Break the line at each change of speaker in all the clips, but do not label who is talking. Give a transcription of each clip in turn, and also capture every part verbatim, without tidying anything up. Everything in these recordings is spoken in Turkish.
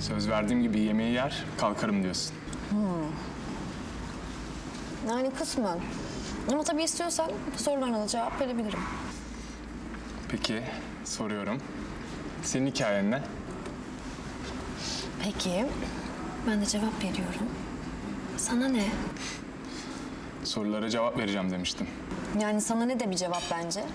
Söz verdiğim gibi yemeği yer, kalkarım diyorsun.
Yani kısmen. Ama tabii istiyorsan sorularına da cevap verebilirim.
Peki, soruyorum. Senin hikayen ne?
Peki, ben de cevap veriyorum. Sana ne?
Sorulara cevap vereceğim demiştim.
Yani sana ne de bir cevap bence.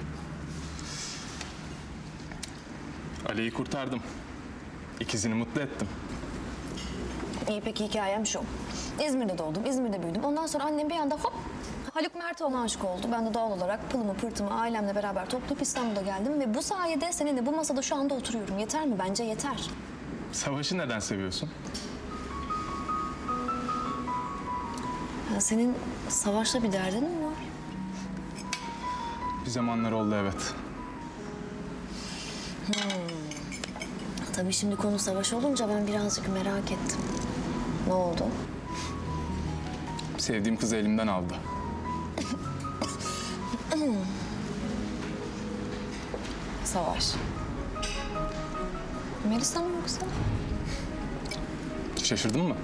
Ali'yi kurtardım. İkizini mutlu ettim.
İyi peki hikayem şu. İzmir'de doğdum, İzmir'de büyüdüm. Ondan sonra annem bir anda hop Haluk Mertoğlu'na aşık oldu. Ben de doğal olarak pılımı pırtımı ailemle beraber toplayıp İstanbul'a geldim. Ve bu sayede seninle bu masada şu anda oturuyorum. Yeter mi? Bence yeter.
Savaşı neden seviyorsun?
Ya senin Savaş'la bir derdin mi var?
Bir zamanlar oldu, evet.
Tabii şimdi konu Savaş olunca ben birazcık merak ettim. Ne oldu?
Sevdiğim kızı elimden aldı.
Savaş. Melisa mı yoksa?
Şaşırdın mı?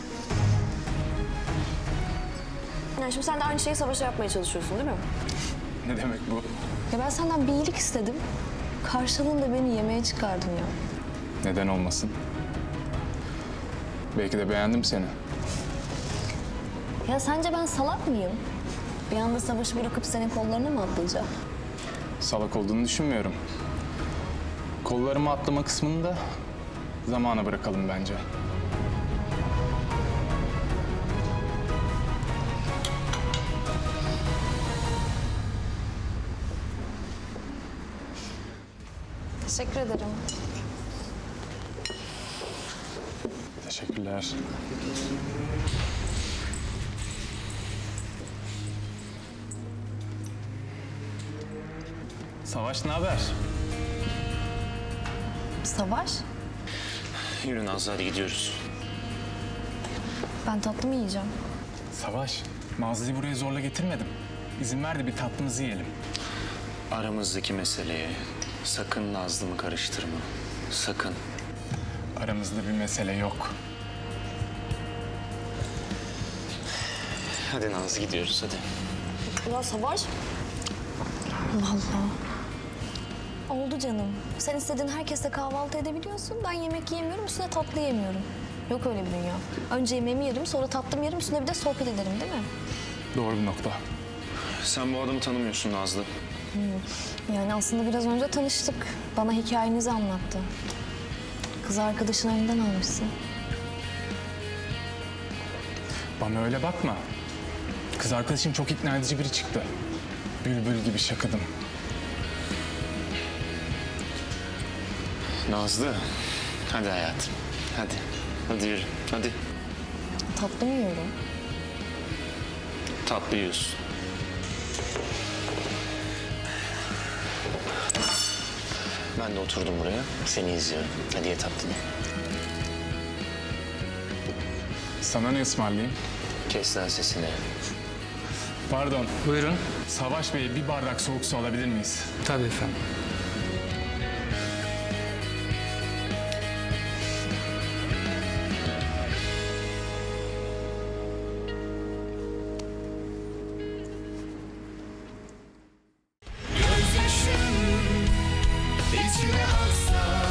Yani şimdi sen de aynı şeyi Savaş'a yapmaya çalışıyorsun değil mi?
Ne demek bu?
Ya ben senden bir iyilik istedim. Karşılığında beni yemeğe çıkardın ya.
Neden olmasın? Belki de beğendim seni.
Ya sence ben salak mıyım? Bir anda Savaş'ı bırakıp senin kollarına mı atlayacağım?
Salak olduğunu düşünmüyorum. Kollarıma atlama kısmını da zamana bırakalım bence.
Teşekkür ederim.
Teşekkürler. Savaş, ne haber?
Savaş,
Yürü Nazlı, hadi gidiyoruz.
ben tatlı mı yiyeceğim?
Savaş, Nazlı'yı buraya zorla getirmedim. İzin ver de bir tatlımızı yiyelim.
Aramızdaki meseleye sakın Nazlı'mı karıştırma. Sakın.
Aramızda bir mesele yok.
Hadi Nazlı, gidiyoruz hadi.
Ya Savaş. Allah Allah. Oldu canım. Sen istediğin herkesle kahvaltı edebiliyorsun. Ben yemek yiyemiyorum, üstüne tatlı yemiyorum. Yok öyle bir dünya. Önce yemeğimi yerim, sonra tatlımı yerim, üstüne bir de sohbet ederim değil mi?
Doğru bir nokta.
Sen bu adamı tanımıyorsun Nazlı.
Yani aslında biraz önce tanıştık. Bana hikayenizi anlattı. Kız arkadaşın elinden almışsın.
Bana öyle bakma. Kız arkadaşım çok ikna edici biri çıktı. Bülbül gibi şakıdım.
Nazlı, hadi hayatım. Hadi. Hadi yürü, hadi.
Tatlı mı yiyorum?
Tatlı yiyorsun. Ben de oturdum buraya, seni izliyorum. Hadi ye tatlını.
Sana ne ısmarlayayım?
Kes lan sesini.
Pardon.
Buyurun.
Savaş Bey, bir bardak soğuk su alabilir miyiz?
Tabii efendim.
Gözyaşım içime aksa